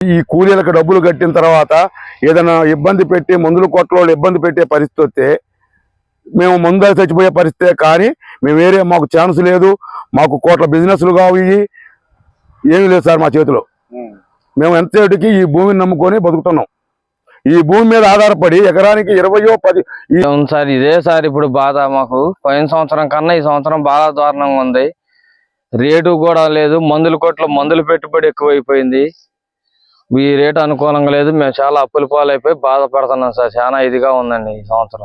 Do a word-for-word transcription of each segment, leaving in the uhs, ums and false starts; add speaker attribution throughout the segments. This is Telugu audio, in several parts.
Speaker 1: ఈ కూలీలకు డబ్బులు కట్టిన తర్వాత ఏదైనా ఇబ్బంది పెట్టి మందుల కొట్లో ఇబ్బంది పెట్టే పరిస్థితి వస్తే మేము మందు చచ్చిపోయే పరిస్థితే, కానీ మేము వేరే మాకు ఛాన్స్ లేదు, మాకు కోట్ల బిజినెస్లు కావు, ఏమీ లేదు సార్ మా చేతిలో. మేము ఎంతసేటికి ఈ భూమిని నమ్ముకొని బతుకుతున్నాం. ఈ భూమి మీద ఆధారపడి ఎకరానికి ఇరవయో పది
Speaker 2: సార్ ఇదే సార్ ఇప్పుడు బాధ మాకు. పోయిన సంవత్సరం కన్నా ఈ సంవత్సరం బాగా దారుణంగా ఉంది. రేటు కూడా లేదు, మందుల కొట్లో మందులు పెట్టుబడి ఎక్కువైపోయింది, ఈ రేటు అనుకూలంగా లేదు. మేము చాలా అప్పుల పాలైపోయి బాధపడుతున్నాం సార్. చాలా ఇదిగా ఉందండి ఈ సంవత్సరం.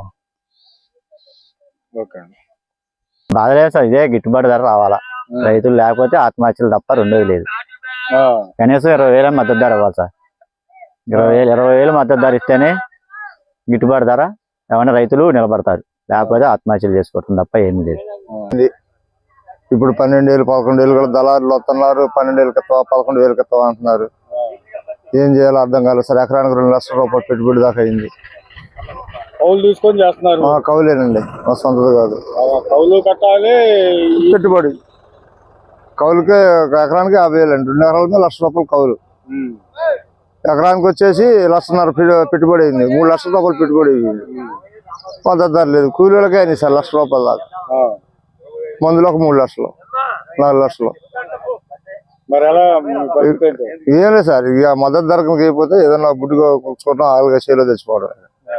Speaker 3: బాధ లేదు సార్, ఇదే గిట్టుబాటు ధర రావాలా. రైతులు లేకపోతే ఆత్మహత్యలు తప్ప రెండోది లేదు. కనీసం ఇరవై వేల మద్దతు ధర ఇవ్వాలి సార్. ఇరవై వేలు ఇరవై వేలు మద్దతు ధర ఇస్తేనే గిట్టుబాటు ధర ఏమైనా రైతులు నిలబడతారు, లేకపోతే ఆత్మహత్యలు చేసుకోవటం తప్ప ఏమీ లేదు.
Speaker 4: ఇప్పుడు పన్నెండు వేలు పదకొండు వేలు కూడా దళారులు వస్తున్నారు. పన్నెండు వేలు కిత్తావా పదకొండు వేలు కిత్తావా అంటున్నారు. ఏం చేయాలో అర్థం కాలేదు సార్. ఎకరానికి రెండు లక్షల రూపాయలు పెట్టుబడి దాకా అయింది.
Speaker 5: కౌలు తీసుకొని చేస్తున్నారు.
Speaker 4: కౌలేనండి, మా సొంతది కాదు.
Speaker 5: కౌలు కట్టాలి,
Speaker 4: పెట్టుబడి కౌలుకే ఎకరానికి యాభై వేలు అండి. రెండు ఎకరాలకి లక్ష రూపాయలు కౌలు. ఎకరానికి వచ్చేసి లక్షన్నర పెట్టుబడి అయింది. మూడు లక్షల రూపాయలు పెట్టుబడి అయింది. మద్దతు ధర లేదు. కూలీలకే అయింది సార్ లక్ష రూపాయల దాకా. మందులో ఒక మూడు లక్షలు నాలుగు లక్షలు. ఏం లేదు సార్, ఇక మద్దతు ధరకు అయిపోతే ఏదైనా బుడ్డుగా కూర్చోవడం, ఆలుగా చేలో తెచ్చిపోవడం.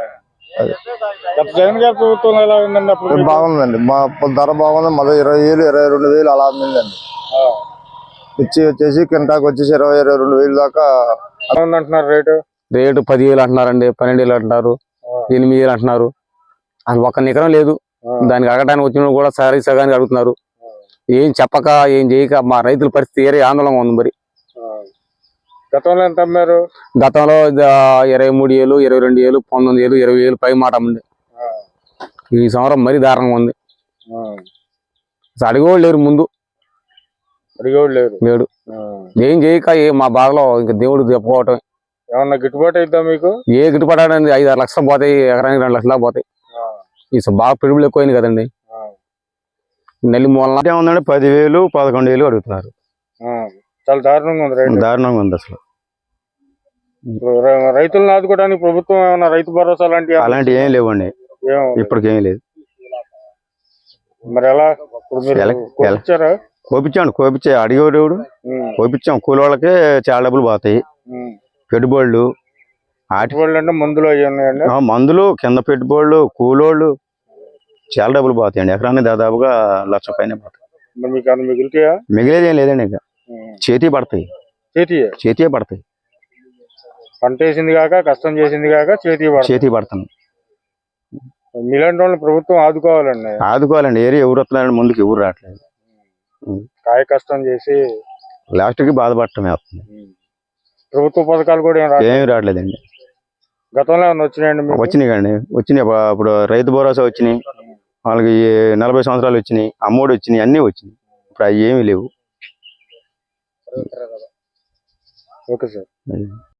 Speaker 4: బాగుందండి, మా ధర బాగుంది. మొదటి ఇరవై వేలు ఇరవై రెండు వేలు అలా అమ్మిందండి. ఇచ్చి వచ్చేసి కింటాకి వచ్చేసి ఇరవై ఇరవై రెండు వేలు దాకా
Speaker 5: అంటున్నారు. రేటు
Speaker 2: రేటు పదివేలు అంటున్నారండి, పన్నెండు వేలు అంటున్నారు, ఎనిమిది వేలు అంటున్నారు. అది ఒక్క నికరం లేదు. దానికి అడగడానికి వచ్చిన కూడా సరి సగానికి అడుగుతున్నారు. ఏం చెప్పక ఏం చేయక మా రైతుల పరిస్థితి ఏరే ఆందోళనగా ఉంది. మరి
Speaker 5: గతంలో ఎంత అమ్మారు?
Speaker 2: గతంలో ఇరవై మూడు వేలు ఇరవై రెండు వేలు పంతొమ్మిది వేలు ఇరవై వేలు పై మాట ఉంది. ఈ సంవత్సరం మరీ దారుణంగా ఉంది. అడిగేవాళ్ళు లేరు, ముందు
Speaker 5: అడిగేవాళ్ళు లేరు
Speaker 2: లేడు. ఏం చేయక ఏ మా బాధలో ఇంకా దేవుడు చెప్పుకోవటం.
Speaker 5: ఏమన్నా గిట్టుబాటు అయిద్దా మీకు?
Speaker 2: ఏ గిట్టుబాటు అనేది ఐదు ఆరు లక్షలు పోతాయి, ఎకరానికి రెండు లక్షలు పోతాయి. ఈ బాగా పెరుగులు ఎక్కువైంది కదండి. నెల్లి మూలన
Speaker 3: ఉందండి, పదివేలు పదకొండు వేలు అడుగుతున్నారు.
Speaker 5: చాలా దారుణంగా ఉంది.
Speaker 3: దారుణంగా ఉంది అసలు.
Speaker 5: రైతులను ఆదుకోవడానికి ప్రభుత్వం ఏమన్నా రైతు భరోసా లాంటి
Speaker 3: అలాంటి ఏం లేవండి, ఇప్పటికేం లేదు.
Speaker 5: మరి ఎలా కోపించారా?
Speaker 3: కోపించాను, కోపించే అడిగేవాడు కోపించాం. కూలి వాళ్ళకే చాలా డబ్బులు పోతాయి. పెట్టుబడులు
Speaker 5: అంటే మందులు అవి ఉన్నాయండి.
Speaker 3: మందులు కింద పెట్టుబడులు కూలోళ్ళు చాలా డబ్బులు పోతాయండి. ఎకరాన్ని దాదాపుగా లక్ష పైన పోతాయి.
Speaker 5: మిగిలితాయా?
Speaker 3: మిగిలేది ఏం లేదండి, ఇక చేతి పడతాయి.
Speaker 5: చేతి
Speaker 3: చేతియే పడతాయి.
Speaker 5: పంట వేసింది కాక కష్టం చేసింది కాక చేతి
Speaker 3: చేతి పడతాను.
Speaker 5: మీలాంటి వాళ్ళని ప్రభుత్వం ఆదుకోవాలండి.
Speaker 3: ఆదుకోవాలండి. ఏరి ఎవరు వస్తున్నారండి, ముందుకు ఎవరు రావట్లేదు.
Speaker 5: కాయ కష్టం చేసి
Speaker 3: లాస్ట్ కి బాధపడటమే వస్తుంది.
Speaker 5: ప్రభుత్వ పథకాలు కూడా
Speaker 3: ఏమి రావట్లేదండి.
Speaker 5: గతంలో ఏమన్నా వచ్చినాయండి?
Speaker 3: వచ్చినాయి కండి, వచ్చినాయి. ఇప్పుడు రైతు భరోసా వచ్చినాయి, వాళ్ళకి నలభై సంవత్సరాలు వచ్చినాయి, అమ్మఒడి వచ్చినాయి, అన్నీ వచ్చినాయి. ఇప్పుడు అవి ఏమీ లేవు.
Speaker 5: Okay sir.